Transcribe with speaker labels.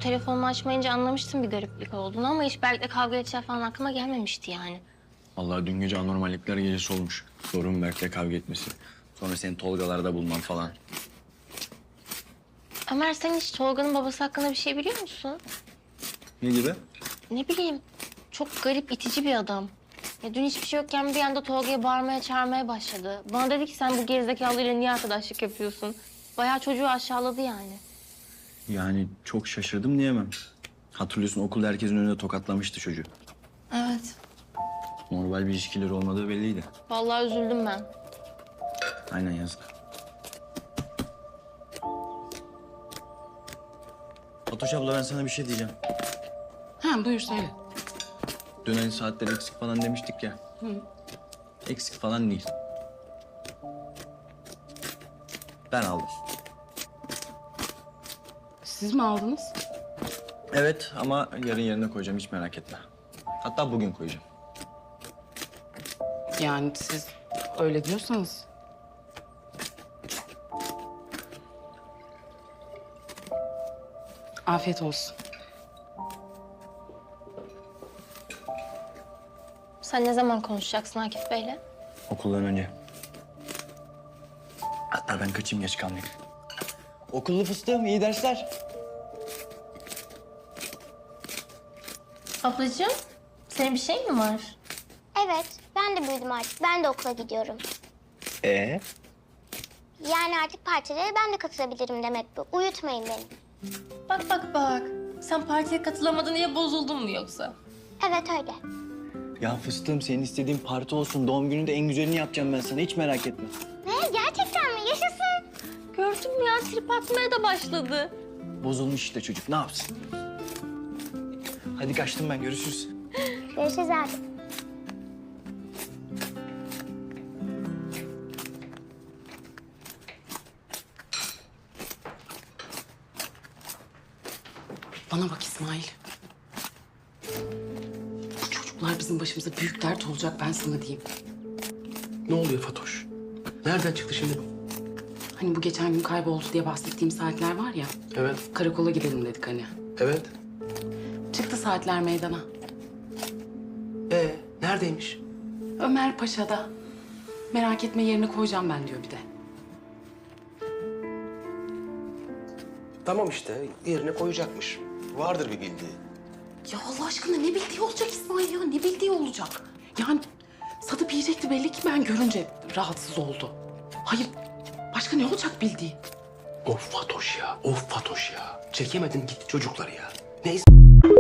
Speaker 1: telefonumu açmayınca anlamıştım bir gariplik olduğunu ama hiç Berk'le kavga edeceği falan aklıma gelmemişti yani.
Speaker 2: Vallahi dün gece anormallikler gecesi olmuş. Sorun Berk'le kavga etmesi. Sonra seni Tolgalarda bulman falan.
Speaker 1: Ömer, sen hiç Tolga'nın babası hakkında bir şey biliyor musun?
Speaker 2: Ne gibi?
Speaker 1: Ne bileyim, çok garip, itici bir adam. Ya dün hiçbir şey yokken bir anda Tolga'ya bağırmaya, çağırmaya başladı. Bana dedi ki sen bu gerizekalıyla niye arkadaşlık yapıyorsun? Bayağı çocuğu aşağıladı yani.
Speaker 2: Yani çok şaşırdım diyemem. Hatırlıyorsun okulda herkesin önünde tokatlamıştı çocuğu.
Speaker 1: Evet.
Speaker 2: Normal bir ilişkileri olmadığı belliydi.
Speaker 1: Vallahi üzüldüm ben.
Speaker 2: Aynen yazık. Fatoş abla ben sana bir şey diyeceğim.
Speaker 3: Ha buyur söyle.
Speaker 2: Dün hani saatler eksik falan demiştik ya. Eksik falan değil. Ben aldım.
Speaker 3: Siz mi aldınız?
Speaker 2: Evet ama yarın yerine koyacağım hiç merak etme. Hatta bugün koyacağım.
Speaker 3: Yani siz öyle diyorsanız. Afiyet olsun.
Speaker 1: Sen ne zaman konuşacaksın Akif Bey'le?
Speaker 2: Okuldan önce. Hatta ben kaçayım geç kalmayayım. Okullu fıstığım iyi dersler.
Speaker 1: Ablacığım, senin bir şey mi var?
Speaker 4: Evet, ben de büyüdüm artık. Ben de okula gidiyorum. Yani artık partilere ben de katılabilirim demek bu. Uyutmayın beni.
Speaker 1: Bak bak bak. Sen partiye katılamadın diye bozuldun mu yoksa?
Speaker 4: Evet öyle.
Speaker 2: Ya fıstığım senin istediğin parti olsun. Doğum gününde en güzelini yapacağım ben sana. Hiç merak etme.
Speaker 4: Ne? Gerçekten mi? Yaşasın.
Speaker 1: Gördün mü ya, trip atmaya da başladı.
Speaker 2: Bozulmuş işte çocuk. Ne yapsın? Hadi kaçtım ben. Görüşürüz.
Speaker 4: Görüşürüz abi.
Speaker 3: Bana bak İsmail. Bu çocuklar bizim başımıza büyük dert olacak ben sana diyeyim.
Speaker 5: Ne oluyor Fatoş? Nereden çıktı şimdi bu?
Speaker 3: Hani bu geçen gün kayboldu diye bahsettiğim saatler var ya.
Speaker 5: Evet,
Speaker 3: Karakola gidelim dedik hani.
Speaker 5: evet.
Speaker 3: Çıktı saatler meydana.
Speaker 5: Neredeymiş?
Speaker 3: Ömer Paşa'da. Merak etme yerine koyacağım ben diyor bir de.
Speaker 5: Tamam işte, yerine koyacakmış. Vardır bir bildiği.
Speaker 3: Ya Allah aşkına ne bildiği olacak İsmail ya? Ne bildiği olacak? Yani satıp yiyecekti belli ki ben görünce rahatsız oldu. Hayır başka ne olacak bildiği?
Speaker 5: Of Fatoş ya, of Fatoş ya. Çekemedin gitti çocukları ya. Neyse.